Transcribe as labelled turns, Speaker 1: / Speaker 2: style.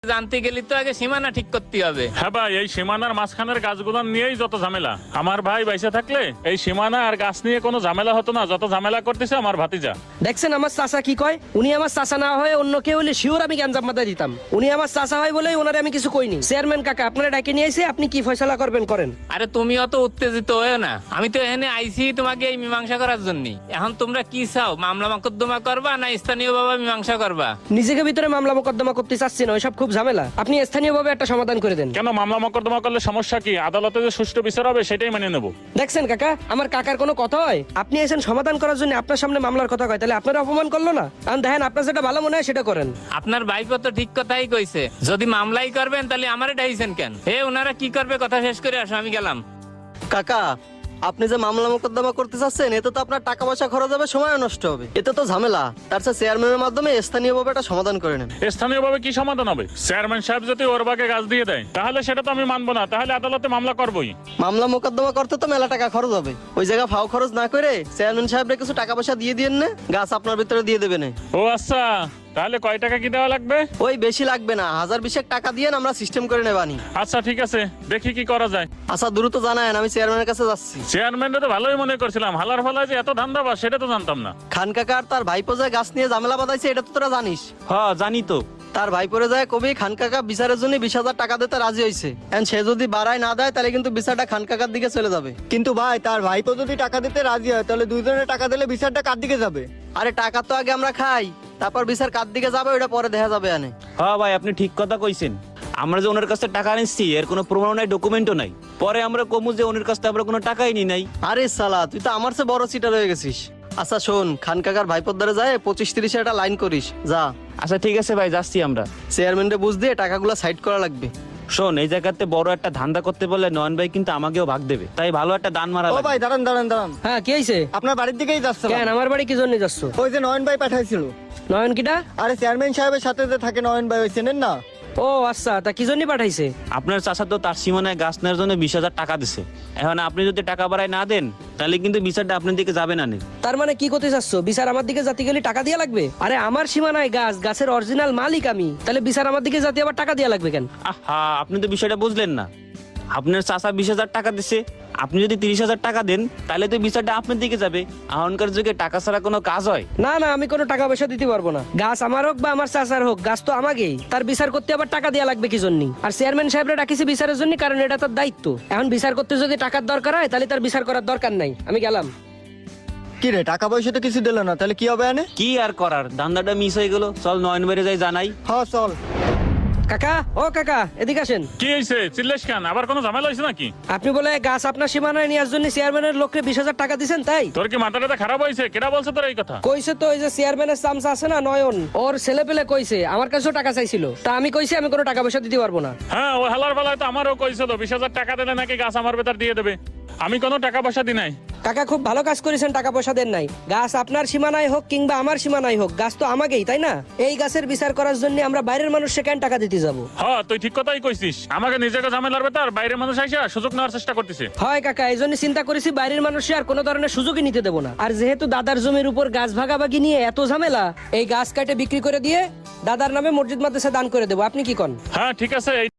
Speaker 1: জানতে গেলে তো আগে সীমানা ঠিক করতে হবে।
Speaker 2: হ্যাঁ ভাই, এই সীমানার মাঝখানের গাছগুলো নিয়েই যত ঝামেলা। আমার ভাই বাইসে থাকলে এই সীমানা আর গাছ নিয়ে কোনো ঝামেলা হতো না, যত ঝামেলা করতেছে আমার ভাতিজা।
Speaker 3: দেখছেন আমার চাচা কি কয়? উনি আমার চাচা না হয় অন্য কেউ হলে শিওর আমি গ্যাঞ্জাম মাথায় দিতাম। উনি আমার চাচা হয় বলেই ওনারে আমি কিছু কইনি। চেয়ারম্যান কাকা, আপনারা ডাকে নিয়ে আইছে, আপনি কি ফয়সালা করবেন করেন।
Speaker 1: আরে তুমি অত উত্তেজিত হয়েও না, আমি তো এখানে আইছি তোমাকে এই মীমাংসা করার জন্য। এখন তোমরা কি চাও, মামলা মোকদ্দমা করবা না স্থানীয় ভাবে মীমাংসা করবা?
Speaker 3: নিজেকে ভিতরে মামলা মোকদ্দমা করতে চাচ্ছি না, ওইসব খুব ঝামেলা। আপনি স্থানীয়ভাবে একটা সমাধান করে দেন।
Speaker 2: কেন, মামলা মোকদ্দমা করলে সমস্যা কি? আদালতে যে সুষ্ঠু বিচার হবে সেটাই মেনে নেবো।
Speaker 3: দেখছেন কাকা, আমার কাকার কোনো কথা হয়? আপনি এসেন সমাধান করার জন্য, আপনার সামনে মামলার কথা কয়, তাহলে আপনারা অপমান করলো না? আর দেখেন আপনার যেটা ভালো মনে হয় সেটা করেন।
Speaker 1: আপনার ভাইপো তো ঠিক কথাই কইছে, যদি মামলাই করবেন তাহলে আমারে ডাইছেন কেন? ওনারা কি করবে কথা শেষ করে আসো, আমি গেলাম।
Speaker 4: কাকা, আপনি যে মামলা মোকদ্দমা করতে চাচ্ছেন, এতে তো আপনার টাকা পয়সা খরচ হবে, সময় নষ্ট হবে, এতে তো ঝামেলা। তার চেয়ে চেয়ারম্যানের মাধ্যমে স্থানীয়ভাবে একটা সমাধান করে নেন।
Speaker 2: স্থানীয় ভাবে কি সমাধান হবে? চেয়ারম্যান সাহেব যদি ওর বাগে গাছ দিয়ে দেয় তাহলে সেটা তো আমি মানবো না, তাহলে আদালতে মামলা করবোই।
Speaker 4: মামলা মোকদ্দমা করতে তো মেলা টাকা খরচ হবে, ওই জায়গা ফাও খরচ না করে চেয়ারম্যান সাহেবরে কিছু টাকা পয়সা দিয়ে দিয়েন না, গাছ আপনার ভিতরে দিয়ে দেবেন।
Speaker 2: ও আচ্ছা, তাহলে কয় টাকা কি দেওয়া লাগবে?
Speaker 4: ওই বেশি লাগবে না, 1000-20 টাকা দিয়ে আমরা সিস্টেম করে নেবানি।
Speaker 2: আচ্ছা ঠিক আছে, দেখি কি করা যায়।
Speaker 4: আচ্ছা দ্রুত জানায়েন, আমি চেয়ারম্যানের কাছে যাচ্ছি।
Speaker 2: চেয়ারম্যানটা তো ভালোই মনে করছিলাম, হালার ফালায় যে এত ধান্দা বা সেটা তো জানতাম না।
Speaker 4: খান কাকা আর তার ভাইপো যে গাছ নিয়ে ঝামেলা বাঁধাইছে, এটা তো তোরা জানিস।
Speaker 5: হ্যাঁ জানি তো।
Speaker 4: তার ভাইপোরে যায় কবি খান কাকা বিচারের জন্য 20,000 টাকা দিতে রাজি হয়েছে। সে যদি বাড়ায় না দেয় তাহলে কিন্তু বিচারটা খান কাকার দিকে চলে যাবে।
Speaker 6: কিন্তু ভাই, তার ভাইপো যদি টাকা দিতে রাজি হয় তাহলে দুইজনে টাকা দিলে বিচারটা কার দিকে যাবে?
Speaker 4: আরে টাকা তো আগে আমরা খাই, তারপর বিচার কার দিকে যাবে ওটা পরে দেখা যাবে।
Speaker 5: হ্যাঁ ভাই, আপনি ঠিক কথা কইছেন। আমরা যে ওনার কাছে টাকা নিচ্ছি এর কোনো প্রমাণ নাই, ডকুমেন্টও নাই। পরে আমরা কমু যে ওনার কাছে আমরা কোনো টাকাই নি নাই।
Speaker 4: আরে সালা, তুই তো আমার চেয়ে বড় চিটার হয়ে গেছিস। আচ্ছা শোন, খান কাকার ভাইপোর দ্বারা যায় 25-30 একটা লাইন করিস, যা।
Speaker 5: আচ্ছা ঠিক আছে ভাই, যাচ্ছি আমরা।
Speaker 4: চেয়ারম্যানরে বুঝ দিয়ে টাকাগুলো সাইড করা লাগবে।
Speaker 5: শোন, এই জায়গাতে বড় একটা ধান্দা করতে বললে নয়ন ভাই কিন্তু আমাকেও ভাগ দেবে, তাই ভালো একটা দান মারা
Speaker 6: ও
Speaker 5: লাগবে।
Speaker 6: ভাই, দাঁড়ান দাঁড়ান দাঁড়ান,
Speaker 3: হ্যাঁ, কি হয়েছে?
Speaker 6: আপনার বাড়ির দিকেই যাচ্ছে।
Speaker 3: কেন আমার বাড়ি কি জন্য যাচ্ছ?
Speaker 6: ওই যে নয়ন ভাই পাঠাইছিল।
Speaker 3: নয়ন কিটা?
Speaker 6: আরে চেয়ারম্যান সাহেবের সাথে যে থাকে নয়ন ভাই, ওই চেনেন না?
Speaker 3: ও আচ্ছা, তা কি জন্য পাঠাইছে?
Speaker 5: আপনার চাচা তো তার সীমানায় গাছ নেওয়ার জন্য 20,000 টাকা দিছে। এখন আপনি যদি টাকা বাড়ায় না দেন তাহলে কিন্তু বিচারটা আপনার দিকে যাবে না।
Speaker 3: তার মানে কি করতে চাচ্ছ? বিচার আমার দিকে জাতি গেলে টাকা দিয়া লাগবে? আরে আমার সীমানায় গাছ, গাছের অরিজিনাল মালিক আমি, তাহলে বিচার আমার দিকে জাতি আবার টাকা দিয়া লাগবে কেন?
Speaker 5: আহা, আপনি তো বিষয়টা বুঝলেন না। আপনার চাচা 20,000 টাকা দিছে, আপনি যদি 30,000 টাকা দেন তাহলে তো বিচারটা আপনার দিকে যাবে। এখনকার যুগে টাকা ছাড়া কোনো কাজ হয়?
Speaker 3: না না, আমি কোনো টাকা পয়সা দিতে পারবো না। গাছ আমার হোক বা আমার চাচার হোক, গাছ তো আমাকেই। তার বিচার করতে আবার টাকা দেওয়া লাগবে কি জন্য? আর চেয়ারম্যান সাহেবরা ডাকিছে বিচারের জন্য, কারণ এটা তার দায়িত্ব। এখন বিচার করতে যদি টাকার দরকার হয় তাহলে তার বিচার করার দরকার নাই, আমি গেলাম।
Speaker 6: কি রে, টাকা পয়সা তো কিছু দিল না, তাহলে কি হবে?
Speaker 5: কি আর করার, ধান্দাটা মিস হয়ে গেল। চল নয়ন বেড়ে যাই জানাই।
Speaker 6: হ্যাঁ চল।
Speaker 3: কাকা, ও কাকা, এদিকে আসেন।
Speaker 2: কি হয়েছে, চিল্লেশ খান? আবার কোনো ঝামেলা হয়েছে নাকি?
Speaker 3: আপনি বলে গাছ আপনার সীমানায় নেওয়ার জন্য চেয়ারম্যানের লোককে 20,000 টাকা দিচ্ছেন, তাই?
Speaker 2: তোর কি মাথাটা খারাপ হয়েছে? কেডা বলছে তোর এই কথা?
Speaker 3: কইছে তো, ওই যে চেয়ারম্যানের চামচা আছে না নয়ন, ওর ছেলে পেলে কইছে আমার কাছেও টাকা চাইছিল। তা আমি কইছি আমি কোনো টাকা পয়সা দিতে পারবো না।
Speaker 2: হ্যাঁ, ও হালার ফালায় তো আমারও কইছিল 20,000 টাকা দিলে নাকি গাছ আমার ভেতর দিয়ে দেবে। আমি কোনো টাকা পয়সা দিই নাই।
Speaker 3: কাকা খুব ভালো কাজ করেছেন, টাকা পয়সা দেন নাই। গাছ আপনার সীমানায় হোক কিংবা আমার সীমানায় হোক, গাছ তো আমাকেই, তাই না? এই গাছের বিচার করার জন্য আমরা বাইরের মানুষকে কেন টাকা দিতে যাবো?
Speaker 2: হ্যাঁ, তুই ঠিক কথাই কইছিস। আমাকে নিজেকে ঝামেলার ভেতর বাইরের মানুষ আইসা সুযোগ নেওয়ার চেষ্টা করতেছে।
Speaker 3: হয় কাকা, এই জন্য চিন্তা করেছি বাইরের মানুষে আর কোনো ধরনের সুযোগই নিতে দেবো না। আর যেহেতু দাদার জমির উপর গাছ ভাগাভাগি নিয়ে এত ঝামেলা, এই গাছ কাটে বিক্রি করে দিয়ে দাদার নামে মসজিদ মাদ্রাসা দান করে দেবো। আপনি কি কন?
Speaker 2: হ্যাঁ ঠিক আছে।